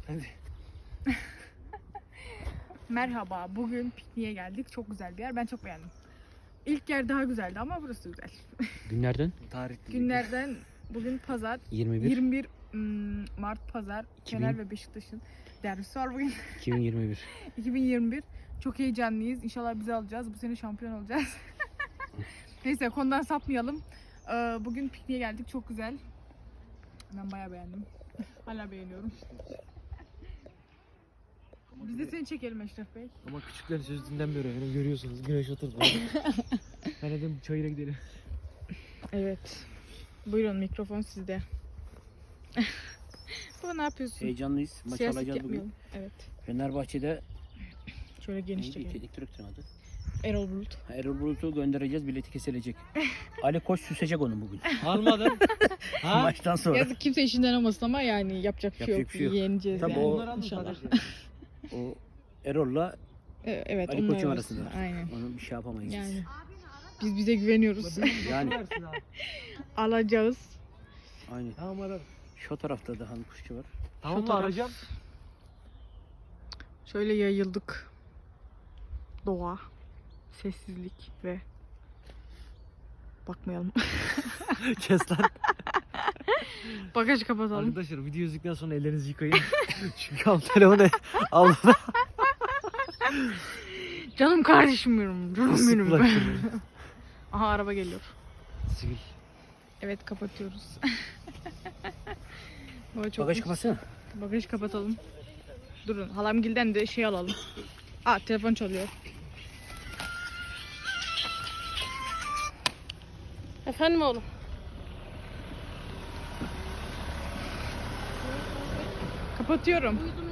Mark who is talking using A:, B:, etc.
A: Hadi.
B: Merhaba, bugün pikniğe geldik. Çok güzel bir yer. Ben çok beğendim. İlk yer daha güzeldi ama burası güzel.
C: Günlerden?
A: Tarih
B: Günlerden bugün pazar.
C: 21.
B: 21 Mart pazar. Fener ve Beşiktaş'ın derbisi var bugün.
C: 2021.
B: 2021. Çok heyecanlıyız. İnşallah bizi alacağız. Bu sene şampiyon olacağız. Neyse konudan sapmayalım. Bugün pikniğe geldik. Çok güzel. Ben bayağı beğendim. Hala beğeniyorum. Biz de seni çekelim Eşref Bey.
A: Ama küçüklerin sözü dinlenmiyor efendim. Görüyorsunuz. Güneş oturdu. Ben dedim çayıra gidelim.
B: Evet. Buyurun mikrofon sizde. Baba ne yapıyorsun?
C: Heyecanlıyız. Maç
B: Siyaset
C: alacağız bugün.
B: yapmayalım. Evet.
C: Fenerbahçe'de
B: Şöyle geniş
C: neydi?
B: çekelim.
C: Teknik direktörün adı.
B: Erol Bulut.
C: Erol Bulut'u göndereceğiz. Bileti kesilecek. Ali Koç süsecek onu bugün.
A: Almadın. Ha?
C: Maçtan sonra.
B: Yazık kimse işinden olmasın ama yani yapacak bir şey
C: Yapacak
B: yok.
C: bir şey yok.
B: Yeneceğiz
C: Tabii
B: yani.
C: o-
A: Onlar aldı
B: İnşallah.
A: sadece.
C: O Erol'la
B: Evet,
C: Ali
B: onlar
C: Koç'un
B: arasında.
C: arasında.
B: Aynen.
C: Onu bir şey yapamayız.
B: Yani. Biz bize güveniyoruz.
C: Yani.
A: Versin abi.
B: Alacağız.
C: Aynen.
A: Tamam ararım.
C: Şu tarafta da hanım kuşçu var.
A: Tamam mı
B: taraf.
A: arayacağım?
B: Şöyle yayıldık. Doğa, sessizlik ve bakmayalım.
A: Kes lan.
B: Bagajı kapatalım.
A: Arkadaşlar video izledikten sonra ellerinizi yıkayın. Çünkü al telefonu al.
B: Canım kardeşim benim. Canım
A: Islık
B: benim.
A: bulaştırmayın.
B: Aha araba geliyor.
A: Sivil.
B: Evet kapatıyoruz. Baba çok
C: Bagaj kapatsana.
B: Bagajı kapatalım. Durun halamgilden de şey alalım. Aa telefon çalıyor. Efendim oğlum. Kapatıyorum.